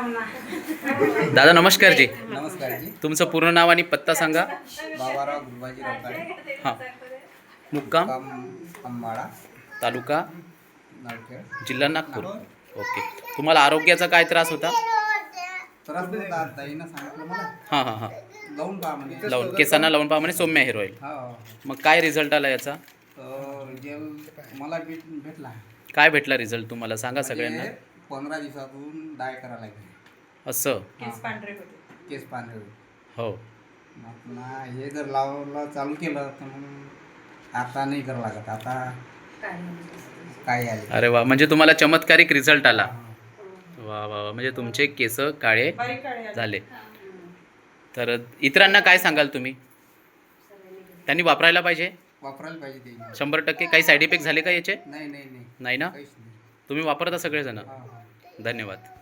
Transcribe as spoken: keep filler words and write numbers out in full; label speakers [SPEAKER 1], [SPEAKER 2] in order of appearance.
[SPEAKER 1] दादा नमस्कार जी.
[SPEAKER 2] नमस्कार जी.
[SPEAKER 1] तुमचं पूर्ण नाव आणि पत्ता सांगा.
[SPEAKER 2] बाबाराव गुरुबाजी रोकाडे,
[SPEAKER 1] हां. मुक्काम
[SPEAKER 2] काम अंबाळा,
[SPEAKER 1] तालुका
[SPEAKER 2] नळखेड,
[SPEAKER 1] जिल्हा नागपूर. ओके. तुम्हाला आरोग्याचा काय त्रास होता?
[SPEAKER 2] त्रास होता. ताईनं सांगितलं मला
[SPEAKER 1] हां हां हां.
[SPEAKER 2] लावून पहा म्हणे.
[SPEAKER 1] लावून केसांना लावून पहा म्हणे सौम्य हेअर ऑइल.
[SPEAKER 2] हो.
[SPEAKER 1] मग काय रिझल्ट आला याचा?
[SPEAKER 2] तर जेल मला भेट भेटला.
[SPEAKER 1] काय भेटला रिझल्ट तुम्हाला सांगा सगळ्यांना.
[SPEAKER 2] म्हणजे पंधरा दिवसातून डाय करायला लागले.
[SPEAKER 1] असं
[SPEAKER 2] केस पांढरे होते. केस पांढरे होते.
[SPEAKER 1] हो.
[SPEAKER 2] मग पुन्हा हे जर लावलं चालू केलं तर मग आता नाही करावं लागत. आता काय आले.
[SPEAKER 1] अरे वा, म्हणजे तुम्हाला चमत्कारिक रिझल्ट आला. वा वा वा, म्हणजे तुमचे केस काळे झाले. तर इतरांना काय सांगाल तुम्ही? त्यांनी वापरायला पाहिजे.
[SPEAKER 2] वापरायला पाहिजे ते.
[SPEAKER 1] शंभर टक्के. काही साईड इफेक्ट झाले का याचे?
[SPEAKER 2] नाही नाही नाही
[SPEAKER 1] नाही ना?
[SPEAKER 2] काहीच नाही.
[SPEAKER 1] तुम्ही वापरता सगळेजण.
[SPEAKER 2] हा, हा.
[SPEAKER 1] धन्यवाद.